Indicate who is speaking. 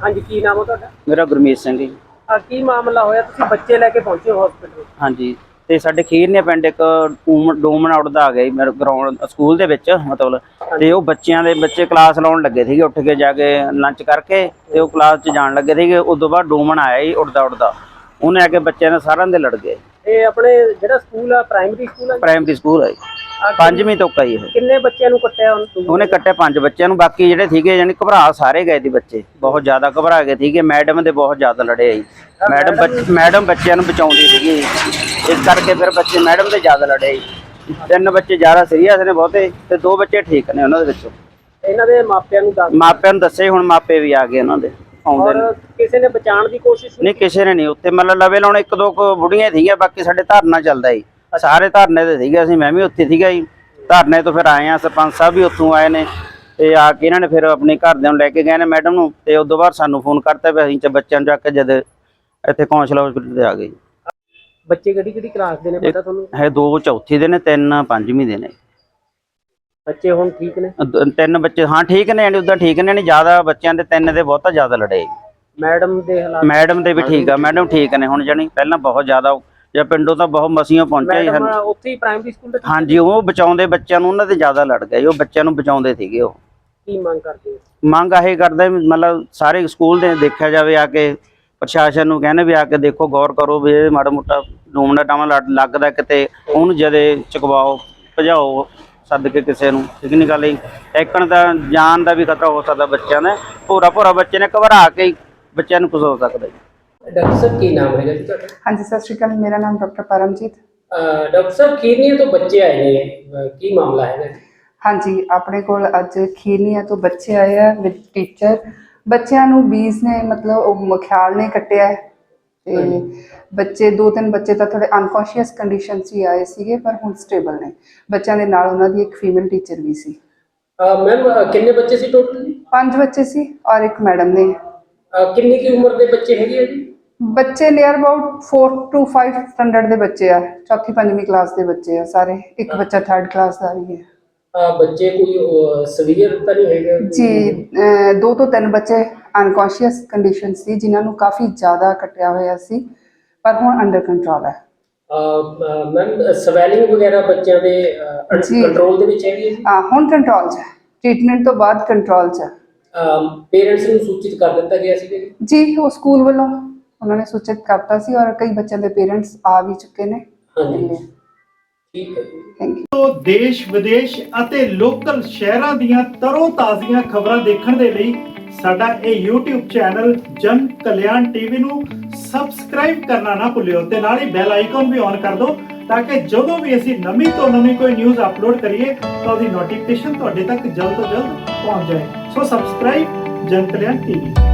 Speaker 1: ਹਾਂਜੀ, ਕੀ ਨਾਮ ਹੈ ਤੁਹਾਡਾ?
Speaker 2: ਮੇਰਾ ਗੁਰਮੀਤ ਸਿੰਘ ਜੀ।
Speaker 1: ਕੀ ਮਾਮਲਾ ਹੋਇਆ, ਤੁਸੀਂ ਬੱਚੇ ਲੈ ਕੇ ਪਹੁੰਚੇ ਹੋ ਹਸਪੀਟਲ?
Speaker 2: ਹਾਂਜੀ, ਤੇ ਸਾਡੇ ਖੀਰਨੇ ਪਿੰਡ ਇੱਕ ਡੂਮਨ ਆਊਟ ਦਾ ਆ ਗਿਆ ਜੀ ਮੇਰੇ ਗਰਾਊਂਡ ਸਕੂਲ ਦੇ ਵਿੱਚ ਮਤਲਬ। ਤੇ ਉਹ ਬੱਚੇ ਕਲਾਸ ਲਾਉਣ ਲੱਗੇ ਸੀਗੇ, ਉੱਠ ਕੇ ਜਾ ਕੇ ਲੰਚ ਕਰਕੇ ਤੇ ਉਹ ਕਲਾਸ 'ਚ ਜਾਣ ਲੱਗੇ ਸੀਗੇ। ਉਸ ਤੋਂ ਬਾਅਦ ਡੂਮਨ ਆਇਆ ਜੀ ਉੱਡਦਾ ਉਹਨੇ ਆ ਕੇ ਬੱਚਿਆਂ ਨੇ ਸਾਰਿਆਂ ਦੇ ਲੜ ਗਏ।
Speaker 1: ਇਹ ਆਪਣੇ ਜਿਹੜਾ ਸਕੂਲ ਆ ਪ੍ਰਾਇਮਰੀ ਸਕੂਲ ਆ?
Speaker 2: ਪ੍ਰਾਇਮਰੀ ਸਕੂਲ ਹੈ ਜੀ, 5ਵੀਂ ਤੋਂ ਕਈ ਇਹ।
Speaker 1: ਕਿੰਨੇ ਬੱਚਿਆਂ ਨੂੰ ਕੱਟਿਆ
Speaker 2: ਉਹਨੇ ਕੱਟਿਆ 5 ਬੱਚਿਆਂ ਨੂੰ, ਬਾਕੀ ਜਿਹੜੇ ਸੀਗੇ ਯਾਨੀ ਘਬਰਾ ਸਾਰੇ ਗਏ ਸੀ ਬੱਚੇ, ਬਹੁਤ ਜ਼ਿਆਦਾ ਘਬਰਾ ਗਏ ਸੀਗੇ। ਮੈਡਮ ਦੇ ਬਹੁਤ ਜ਼ਿਆਦਾ ਲੜੇ ਜੀ, ਮੈਡਮ ਬੱਚਿਆਂ ਨੂੰ ਬਚਾਉਂਦੀ ਸੀਗੀ, ਇਸ ਕਰਕੇ ਫਿਰ ਬੱਚੇ ਮੈਡਮ ਦੇ ਜ਼ਿਆਦਾ ਲੜੇ ਜੀ। 3 ਬੱਚੇ ਜ਼ਿਆਦਾ ਸੀਰੀਅਸ ਨੇ ਬਹੁਤੇ, ਤੇ 2 ਬੱਚੇ ਠੀਕ ਨੇ ਉਹਨਾਂ ਦੇ ਵਿੱਚੋਂ।
Speaker 1: ਇਹਨਾਂ ਦੇ ਮਾਪਿਆਂ ਨੂੰ
Speaker 2: ਦੱਸੇ, ਹੁਣ ਮਾਪੇ ਵੀ ਆ ਗਏ ਉਹਨਾਂ ਦੇ ਆਉਂਦੇ ਨੇ।
Speaker 1: ਕਿਸੇ ਨੇ ਬਚਾਉਣ ਦੀ ਕੋਸ਼ਿਸ਼
Speaker 2: ਨਹੀਂ, ਕਿਸੇ ਨੇ ਨਹੀਂ। ਉੱਥੇ ਮਤਲਬ ਲਵੇ ਲਾਉਣ 1-2 ਬੁੜੀਆਂ ਸੀਗੀਆਂ, ਬਾਕੀ ਸਾਡੇ ਧਰਨਾ ਚੱਲਦਾ ਜੀ, ਸਾਰੇ ਧਰਨੇ ਤੇ ਸੀਗੇ ਅਸੀਂ, ਮੈਂ ਵੀ ਉੱਥੇ ਸੀਗਾ ਜੀ। ਧਰਨੇ ਤੋਂ ਫਿਰ ਆਏ ਆ, ਸਰਪੰਚ ਸਾਹਿਬ ਵੀ ਉੱਥੋਂ ਆਏ ਨੇ, ਤੇ ਆ ਕੇ ਇਹਨਾਂ ਨੇ ਫਿਰ ਆਪਣੇ ਘਰਦਿਆਂ ਨੂੰ ਲੈ ਕੇ ਗਏ ਨੇ ਮੈਡਮ ਨੂੰ, ਤੇ ਉਸ ਤੋਂ ਬਾਅਦ ਸਾਨੂੰ ਫੋਨ ਕਰਤਾ ਵੀ ਅਸੀਂ ਬੱਚਿਆਂ ਨੂੰ ਚੱਕ ਕੇ ਜਦ ਇੱਥੇ ਕੌਂਸਲ ਹਸਪੀਟਲ ਤੇ ਆ ਗਏ।
Speaker 1: ਬੱਚੇ ਕਿਹੜੀ ਕਲਾਸ ਦੇ ਨੇ ਪਤਾ ਤੁਹਾਨੂੰ?
Speaker 2: ਹੈ 2 ਚੌਥੀ ਦੇ ਨੇ, 3 5ਵੀਂ ਦੇ ਨੇ।
Speaker 1: ਬੱਚੇ ਹੁਣ ਠੀਕ ਨੇ?
Speaker 2: 3 ਬੱਚੇ ਹਾਂ ਠੀਕ ਨੇ, ਯਾਨੀ ਉਦਾਂ ਠੀਕ ਨੇ, ਨਹੀਂ ਜ਼ਿਆਦਾ ਬੱਚਿਆਂ ਦੇ 3 ਦੇ ਬਹੁਤਾ ਜ਼ਿਆਦਾ ਲੜੇ।
Speaker 1: ਮੈਡਮ ਦੇ ਹਾਲਾਤ?
Speaker 2: ਮੈਡਮ ਦੇ ਵੀ ਠੀਕ ਆ, ਮੈਡਮ ਠੀਕ ਨੇ ਹੁਣ, ਜਾਣੀ ਪਹਿਲਾਂ ਬਹੁਤ ਜ਼ਿਆਦਾ ਜਾਂ ਪਿੰਡੋਂ ਤਾਂ ਬਹੁਤ ਮਸੀਆਂ ਪਹੁੰਚਿਆ ਜੀ।
Speaker 1: ਉੱਥੇ ਹੀ ਪ੍ਰਾਇਮਰੀ ਸਕੂਲ ਦੇ?
Speaker 2: ਹਾਂਜੀ, ਉਹ ਬਚਾਉਂਦੇ ਬੱਚਿਆਂ ਨੂੰ, ਉਹਨਾਂ ਦੇ ਜ਼ਿਆਦਾ ਲੜ ਗਏ, ਉਹ ਬੱਚਿਆਂ ਨੂੰ ਬਚਾਉਂਦੇ ਸੀਗੇ। ਉਹ
Speaker 1: ਕੀ ਮੰਗ ਕਰਦੇ?
Speaker 2: ਮੰਗ ਇਹ ਕਰਦੇ ਮਤਲਬ ਸਾਰੇ ਸਕੂਲ ਦੇ ਦੇਖਿਆ ਜਾਵੇ, ਆ ਕੇ ਪ੍ਰਸ਼ਾਸਨ ਨੂੰ ਕਹਿੰਦੇ ਵੀ ਆ ਕੇ ਦੇਖੋ, ਗੌਰ ਕਰੋ ਵੀ ਇਹ ਮਾੜਾ ਮੋਟਾ ਡੂਮਣਾ ਟਾਵਾਂ ਲੱਗਦਾ ਕਿਤੇ, ਉਹਨੂੰ ਜਦੇ ਚੁਕਵਾਓ, ਭਜਾਓ ਸੱਦ ਕੇ ਕਿਸੇ ਨੂੰ। ਠੀਕ ਨਹੀਂ ਗੱਲ ਜੀ, ਟੈਕਣ ਦਾ ਜਾਨ ਦਾ ਵੀ ਖਤਰਾ ਹੋ ਸਕਦਾ ਬੱਚਿਆਂ ਨੇ, ਭੋਰਾ ਬੱਚੇ ਨੇ ਘਬਰਾ ਕੇ ਬੱਚਿਆਂ ਨੂੰ ਕੁਝ ਹੋ ਸਕਦਾ ਜੀ।
Speaker 1: ਡਾਕਟਰ ਸਾਹਿਬ ਕੀ ਨਾਮ ਹੈਗਾ ਜੀ ਤੁਹਾਡਾ?
Speaker 3: ਹਾਂਜੀ, ਸਤਿ ਸ਼੍ਰੀ ਅਕਾਲ, ਮੇਰਾ ਨਾਮ ਡਾਕਟਰ ਪਰਮਜੀਤ।
Speaker 1: ਡਾਕਟਰ ਸਾਹਿਬ, ਖੀਰਨੀਆ ਤੋਂ ਬੱਚੇ ਆਏ ਨੇ, ਕੀ ਮਾਮਲਾ ਹੈਗਾ?
Speaker 3: ਹਾਂਜੀ, ਆਪਣੇ ਕੋਲ ਅੱਜ ਖੀਰਨੀਆ ਤੋਂ ਬੱਚੇ ਆਏ ਆ ਵਿਦ ਟੀਚਰ। ਬੱਚਿਆਂ ਨੂੰ ਬੀਜ ਨੇ ਮਤਲਬ ਉਹ ਖਿਆਲ ਨੇ ਕੱਟਿਆ ਹੈ, ਤੇ ਬੱਚੇ 2-3 ਬੱਚੇ ਤਾਂ ਥੋੜੇ ਅਨਕੌਂਸ਼ੀਅਸ ਕੰਡੀਸ਼ਨ 'ਚ ਹੀ ਆਏ ਸੀਗੇ, ਪਰ ਹੁਣ ਸਟੇਬਲ ਨੇ। ਬੱਚਿਆਂ ਦੇ ਨਾਲ ਉਹਨਾਂ ਦੀ ਇੱਕ ਫੀਮੇਲ ਟੀਚਰ ਵੀ ਸੀ।
Speaker 1: ਮੈਮ, ਕਿੰਨੇ ਬੱਚੇ ਸੀ ਟੋਟਲ?
Speaker 3: 5 ਬੱਚੇ ਸੀ ਔਰ ਇੱਕ ਮੈਡਮ ਨੇ।
Speaker 1: ਕਿੰਨੀ ਕੀ ਉਮਰ ਦੇ ਬੱਚੇ ਹੈਗੇ ਆ ਜੀ?
Speaker 3: ਬੱਚੇ ਨੀਅਰ ਅਬਾਊਟ 4 to 5 ਸਟੈਂਡਰਡ ਦੇ ਬੱਚੇ ਆ, 4th-5ਵੀਂ ਕਲਾਸ ਦੇ ਬੱਚੇ ਆ ਸਾਰੇ। ਇੱਕ ਬੱਚਾ 3rd ਕਲਾਸ ਦਾ ਵੀ ਹੈ।
Speaker 1: ਬੱਚੇ ਕੋਈ ਸੀਵੀਅਰ ਤਾਂ ਨਹੀਂ ਹੈਗੇ
Speaker 3: ਜੀ? 2 ਤੋਂ 3 ਬੱਚੇ ਅਨਕੌਂਸ਼ੀਅਸ ਕੰਡੀਸ਼ਨ ਸੀ, ਜਿਨ੍ਹਾਂ ਨੂੰ ਕਾਫੀ ਜ਼ਿਆਦਾ ਕੱਟਿਆ ਹੋਇਆ ਸੀ, ਪਰ ਹੁਣ ਅੰਡਰ ਕੰਟਰੋਲ ਹੈ।
Speaker 1: ਮੈਮ, ਸਵੈਲਿੰਗ ਵਗੈਰਾ ਬੱਚਿਆਂ ਦੇ ਕੰਟਰੋਲ ਦੇ ਵਿੱਚ ਹੈਗੀ?
Speaker 3: ਹੁਣ ਕੰਟਰੋਲ 'ਚ ਹੈ, ਟ੍ਰੀਟਮੈਂਟ ਤੋਂ ਬਾਅਦ ਕੰਟਰੋਲ 'ਚ ਹੈ।
Speaker 1: ਪੇਰੈਂਟਸ ਨੂੰ ਸੂਚਿਤ ਕਰ ਦਿੱਤਾ ਗਿਆ ਸੀ
Speaker 3: ਜੀ? ਉਹ ਸਕੂਲ ਵੱਲੋਂ ਉਹਨਾਂ ਨੇ ਸੂਚਿਤ ਕਰਤਾ ਸੀ, ਔਰ ਕਈ ਬੱਚਿਆਂ ਦੇ ਪੇਰੈਂਟਸ ਆ ਵੀ ਚੁੱਕੇ ਨੇ।
Speaker 1: ਹਾਂਜੀ, ਠੀਕ ਹੈ,
Speaker 3: ਥੈਂਕ ਯੂ।
Speaker 4: ਤੋਂ ਦੇਸ਼ ਵਿਦੇਸ਼ ਅਤੇ ਲੋਕਲ ਸ਼ਹਿਰਾਂ ਦੀਆਂ ਤਰੋ ਤਾਜ਼ੀਆਂ ਖਬਰਾਂ ਦੇਖਣ ਦੇ ਲਈ ਸਾਡਾ ਇਹ YouTube ਚੈਨਲ ਜਨ ਕਲਿਆਣ ਟੀਵੀ ਨੂੰ ਸਬਸਕ੍ਰਾਈਬ ਕਰਨਾ ਨਾ ਭੁੱਲਿਓ, ਤੇ ਨਾਲ ਹੀ ਬੈਲ ਆਈਕਨ ਵੀ ਔਨ ਕਰ ਦਿਓ, ਤਾਂ ਕਿ ਜਦੋਂ ਵੀ ਅਸੀਂ ਨਵੀਂ ਤੋਂ ਨਵੀਂ ਕੋਈ ਨਿਊਜ਼ ਅਪਲੋਡ ਕਰੀਏ ਤਾਂ ਉਹਦੀ ਨੋਟੀਫਿਕੇਸ਼ਨ ਤੁਹਾਡੇ ਤੱਕ ਜਲਦ ਤੋਂ ਜਲਦ ਪਹੁੰਚ ਜਾਏ। ਸੋ ਸਬਸਕ੍ਰਾਈਬ ਜਨ ਕਲਿਆਣ ਟੀਵੀ।